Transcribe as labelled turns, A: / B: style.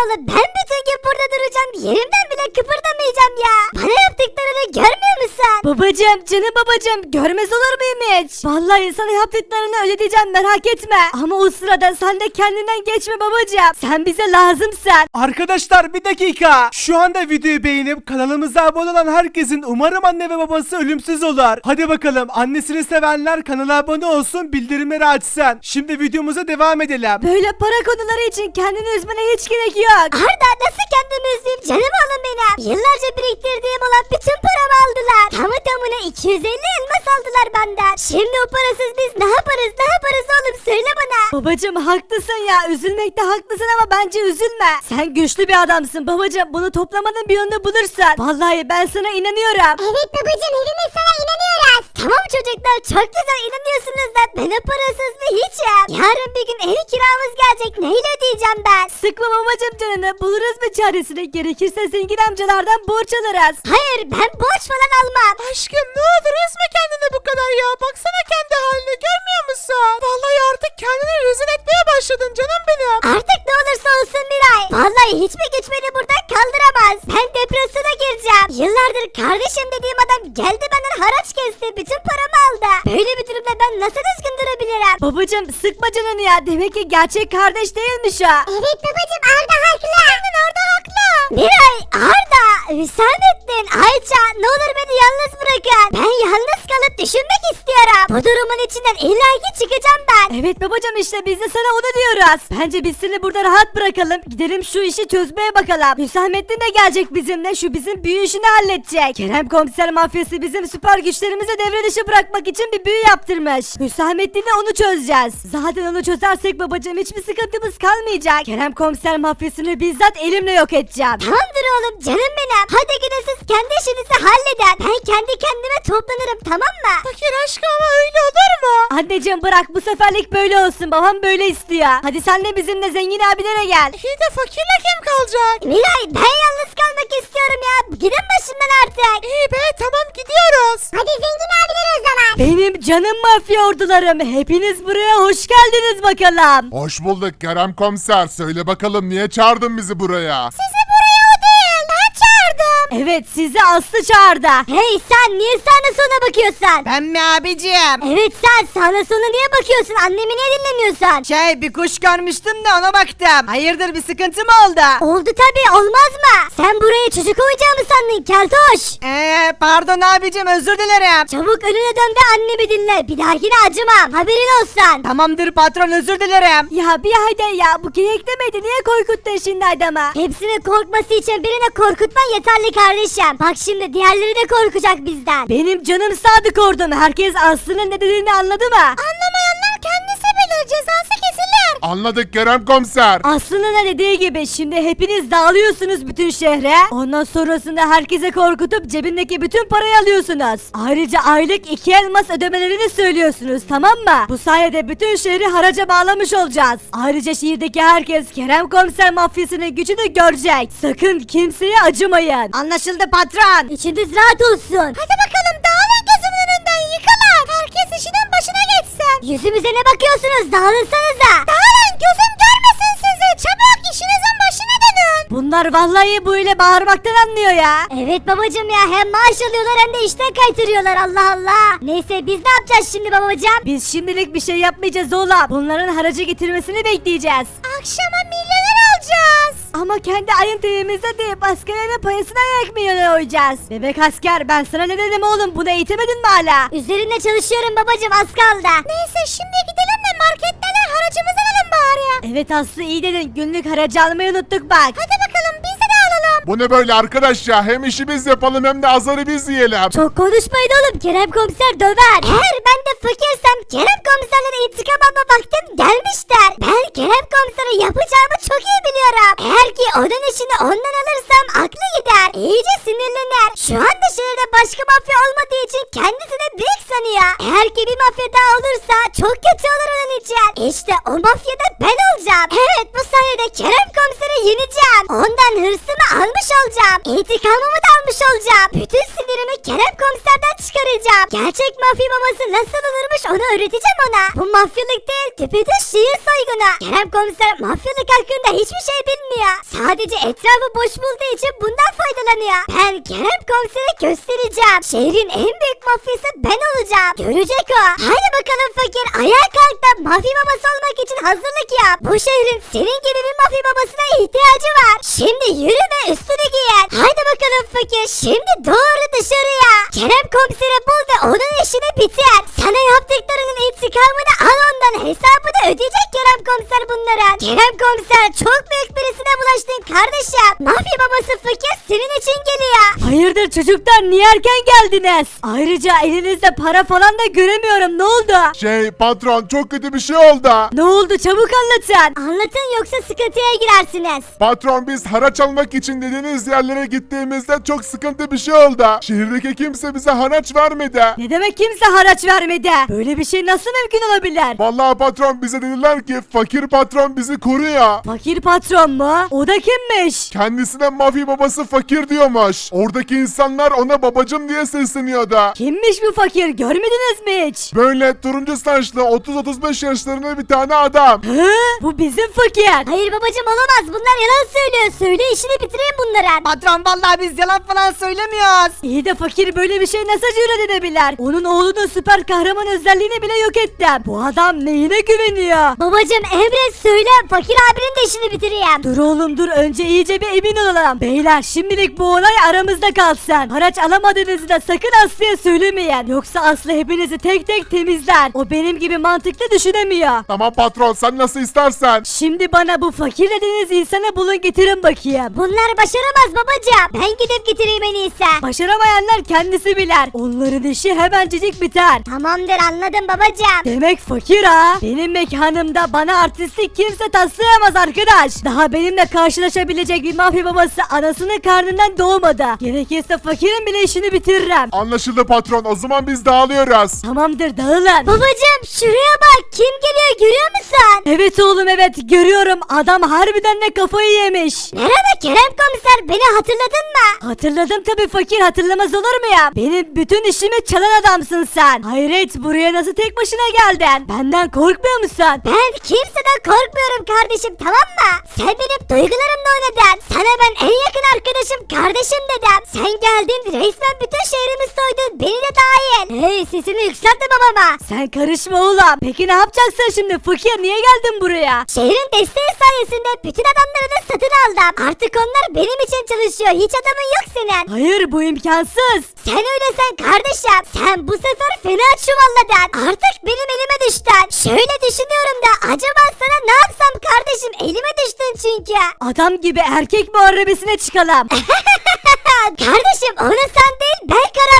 A: oğlum, ben bütün gün burada duracağım, yerimden bile kıpırdamayacağım ya. Bana yaptıklarını görmüyor musun?
B: Babacım, canım babacım, görmez olur muyum hiç? Vallahi sana yaptıklarını ödeyeceğim, merak etme. Ama o sırada sen de kendinden geçme babacım. Sen bize lazımsın.
C: Arkadaşlar bir dakika. Şu anda videoyu beğenip kanalımıza abone olan herkesin umarım anne ve babası ölümsüz olur. Hadi bakalım, annesini sevenler kanala abone olsun, bildirimleri açsın. Şimdi videomuza devam edelim.
B: Böyle para konuları için kendini üzmene hiç gerek yok.
A: Arda, nasıl kendimi üzeyim canım oğlum benim? Yıllarca biriktirdiğim olan bütün paramı aldılar. Tamı tamına 250 elmas aldılar benden. Şimdi o parasız biz ne yaparız oğlum, söyle bana.
B: Babacım haklısın ya, üzülmekte haklısın ama bence üzülme. Sen güçlü bir adamsın babacım, bunu toplamanın bir yolunu bulursun. Vallahi ben sana inanıyorum.
A: Evet babacım, hepimiz sana inanıyoruz. Tamam çocuklar, çok güzel inanıyorsunuz da ben o parasız bir hiçim. Yarın bir gün ev kiramız gelecek, neyle ödeyeceğim ben?
B: Sıkma babacım canını, buluruz bir çaresini. Gerekirse zengin amcalardan borç alırız.
A: Hayır, ben borç falan almam.
C: Aşkım ne olur üzme kendini bu kadar ya. Baksana kendi haline, görmüyor musun? Vallahi artık kendini rezil etmeye başladın canım benim.
A: Artık ne olursa olsun Miray. Vallahi hiçbir güç beni buradan kaldıramaz. Ben depresyona gireceğim. Yıllardır kardeşim dediğim adam geldi benden haraç kesti. Bütün paramı aldı. Böyle bir durumda ben nasıl düzgün durabilirim?
B: Babacım sıkma canını ya, demek ki gerçek kardeş değilmiş o.
A: Evet babacım, Arda haklı. Aynen, Arda haklı. Miray, Arda, Hüsamettin, Ayça, ne olur beni yalnız bırakın. Ben yalnız kalıp düşünmek istiyorum. Bu durumun içinden illaki çıkacağım ben.
B: Evet babacım, işte biz de sana onu diyoruz. Bence biz seni burada rahat bırakalım. Gidelim şu işi çözmeye bakalım. Hüsamettin de gelecek bizimle, şu bizim büyü işini halledecek. Kerem komiser mafyası bizim süper güçlerimizi devre dışı bırakmak için bir büyü yaptırmış. Hüsamettin'le onu çözeceğiz. Zaten onu çözersek babacım hiçbir sıkıntımız kalmayacak. Kerem komiser mafyasını bizzat elimle yok edeceğim.
A: Tamamdır oğlum, canım benim. Hadi gidin siz kendi işinizi halledin. Ben kendi kendime toplanırım, tamam mı?
C: Fakir aşkım ama öyle olur mu?
B: Anneciğim bırak, bu seferlik böyle olsun, babam böyle istiyor. Hadi sen de bizimle zengin abilere gel.
C: İyi de fakirle kim kalacak?
A: Miray, ben yalnız kalmak istiyorum ya. Gidin başımdan artık.
C: İyi be, tamam gidiyoruz.
A: Hadi zengin abiler o zaman.
B: Benim canım mafya ordularım, hepiniz buraya hoş geldiniz bakalım.
D: Hoş bulduk Kerem komiser. Söyle bakalım niye çağırdın bizi buraya?
A: Sizi buraya o değil, ben çağırdım.
B: Evet, sizi Aslı çağırdı.
A: Hey sen, niye sağına sola bakıyorsun?
E: Ben mi abicim?
A: Evet sen, sağına sola niye bakıyorsun? Annemi niye dinlemiyorsun?
E: Bir kuş görmüştüm de ona baktım. Hayırdır, bir sıkıntı mı oldu?
A: Oldu tabii, olmaz mı? Sen buraya çocuk oyuncağı mı sandın keltoş?
E: Pardon abicim, özür dilerim.
A: Çabuk önüne dön ve annemi dinle. Bir dahakine acımam, haberin olsun.
E: Tamamdır patron, özür dilerim.
B: Ya bir haydi ya, bu geyik demedi, niye korkuttun şimdi adamı?
A: Hepsinin korkması için birini korkutman yeterli kardeşim. Bak şimdi diğerleri de korkacak bizden.
B: Benim canım sadık ordum, herkes Aslı'nın ne dediğini anladı mı?
A: Anlamayanlar kendisi bilir, cezası kesilir.
D: Anladık Kerem komiser.
B: Aslı'nın ne dediği gibi şimdi hepiniz dağılıyorsunuz bütün şehre. Ondan sonrasında herkese korkutup cebindeki bütün parayı alıyorsunuz. Ayrıca aylık 2 elmas ödemelerini söylüyorsunuz, tamam mı? Bu sayede bütün şehri haraca bağlamış olacağız. Ayrıca şehirdeki herkes Kerem komiser mafyasının gücünü görecek. Sakın kimseye acımayın.
E: Anlaşıldı patron.
A: İçiniz rahat olsun. Hadi bakalım, dağılın gözümün önünden, yıkılın. Herkes işinin başına geçsin. Yüzümüze ne bakıyorsunuz? Dağılınsanıza. Dağılın, gözüm görmesin sizi. Çabuk işinizin başına dönün.
B: Bunlar vallahi böyle bağırmaktan anlıyor ya.
A: Evet babacım ya, hem maaş alıyorlar hem de işten kaytırıyorlar, Allah Allah. Neyse biz ne yapacağız şimdi babacım?
B: Biz şimdilik bir şey yapmayacağız oğlum. Bunların haracı getirmesini bekleyeceğiz.
A: Akşama milyoner alacağız.
B: Ama kendi ayın terimizde değil, askerlerin payasına ekmeğini oyacağız. Bebek asker, ben sana ne dedim oğlum, bunu eğitemedin mi hala?
A: Üzerinde çalışıyorum babacım, az kaldı. Neyse şimdi gidelim de marketlerden haracımızı alalım bari.
B: Evet Aslı, iyi dedin, günlük haracı almayı unuttuk bak.
A: Hadi bakalım, biz de alalım.
D: Bu ne böyle arkadaş ya? Hem işi biz yapalım hem de azarı biz yiyelim.
A: Çok konuşmayın oğlum, Kerem komiser döver. Eğer ben de fakirsem Kerem komiserlere intikam alma vaktim gelmiştir. Ben Kerem komisere yapacağımı çok iyi biliyorum. Eğer ki onun işini ondan alırsam aklı gider. İyice sinirlenir. Şu anda şehirde başka mafya olmadığı için kendisini büyük sanıyor. Eğer ki bir mafya daha olursa çok kötü olur onun için. İşte o mafyada ben olacağım. Evet, bu sayede Kerem komiseri yeneceğim. Ondan hırsımı almış olacağım. İntikamımı da almış olacağım. Bütün sinirimi Kerem komiserden çıkaracağım. yapacağım. Gerçek mafya babası nasıl olurmuş onu öğreteceğim ona. Bu mafyalık değil düpedüz şehir soygunu. Kerem komiser mafyalık hakkında hiçbir şey bilmiyor. Sadece etrafı boş bulduğu için bundan faydalanıyor. Ben Kerem komisere göstereceğim. Şehrin en büyük mafyası ben olacağım. Görecek o. Haydi bakalım fakir ayağa kalk da mafya babası olmak için hazırlık yap. Bu şehrin senin gibi bir mafya babasına ihtiyacı var. Şimdi yürü ve üstünü giyin. Haydi bakalım fakir şimdi doğru dışarıya. Kerem komiseri bul ve onun işini bitir. Sana yaptıklarının intikamını al ondan. Hesabını ödeyecek Kerem komiser bunlara. Kerem komiser çok büyük birisine bulaştın kardeşim. Mafya babası fakir senin için geliyor.
B: Hayırdır çocuklar niye erken geldiniz? Ayrıca elinizde para falan da göremiyorum ne oldu?
D: Patron çok kötü bir şey oldu.
B: Ne oldu çabuk anlatın.
A: Anlatın yoksa sıkıntıya girersiniz.
D: Patron biz haraç almak için dediğiniz yerlere gittiğimizde çok sıkıntı bir şey oldu. Şehirdeki kimse bize haraç vermedi.
B: Ne demek kimse haraç vermedi? Böyle bir şey nasıl mümkün olabilir?
D: Vallahi patron bize dediler ki fakir patron bizi koruyor.
B: Fakir patron mu? O da kimmiş?
D: Kendisine mafya babası fakir diyormuş. Oradaki insanlar ona babacım diye sesleniyordu.
B: Kimmiş bu fakir görmediniz mi hiç?
D: Böyle turuncu saçlı 30-35 yaşlarında bir tane adam.
B: Hı? Bu bizim fakir.
A: Hayır babacım olamaz bunlar yalan söylüyor. Söyle işini bitireyim bunların.
E: Patron vallahi biz yalan falan söylemiyoruz.
B: İyi de fakir böyle bir şey nasıl cüret edebilir? Onun oğlunun süper kahraman özelliğini bile yok ettim. Bu adam neyine güveniyor?
A: Babacım emret söyle fakir abinin de işini bitireyim.
B: Dur oğlum dur önce iyice bir emin olalım. Beyler şimdilik bu olay aramızda kalsın. Haraç alamadığınızı da sakın Aslı'ya söylemeyin. Yoksa Aslı hepinizi tek tek temizler. O benim gibi mantıklı düşünemiyor.
D: Tamam patron sen nasıl istersen.
B: Şimdi bana bu fakir dediğiniz insanı bulun getirin bakayım.
A: Bunlar başaramaz babacım. Ben gidip getireyim en iyisi.
B: Başaramayanlar kendisi bilir. Onların işi hemencecik biter.
A: Tamamdır anladım babacım.
B: Demek fakir ha. Benim mekanımda bana artistlik kimse taslayamaz arkadaş. Daha benimle karşılaşabilecek bir mafya babası anasının karnından doğmadı. Gerekirse fakirin bile işini bitiririm.
D: Anlaşıldı patron o zaman biz dağılıyoruz.
B: Tamamdır dağılın.
A: Babacım şuraya bak kim geliyor görüyor musun?
B: Evet oğlum evet görüyorum adam harbiden de kafayı yemiş.
A: Merhaba Kerem komiser beni hatırladın mı?
B: Hatırladım tabii fakir hatırlamaz olur mu ya? Benim bütün işimi çalan adamsın sen. Hayret buraya nasıl tek başına geldin? Benden korkmuyor musun?
A: Ben kimseden korkmuyorum kardeşim tamam mı? Sen benim duygularımla oynadın. Sana ben en yakın arkadaşım kardeşim dedim. Sen geldin resmen bütün şehrimi soydun beni de dahil. Hey sesini yükseltme babama.
B: Sen karışma oğlum. Peki ne yapacaksın şimdi fakir niye geldin buraya?
A: Şehrin desteği sayesinde bütün adamları da satın aldım. Artık onlar benim için çalışıyor. Hiç adamın yok senin.
B: Hayır bu imkansız.
A: Sen öyle sen kardeşim. Sen bu sefer fena çuvalladın. Artık benim elime düştün. Şöyle düşünüyorum da acaba sana ne yapsam kardeşim elime düştün çünkü.
B: Adam gibi erkek muharebesine çıkalım.
A: Kardeşim onu sen değil ben karar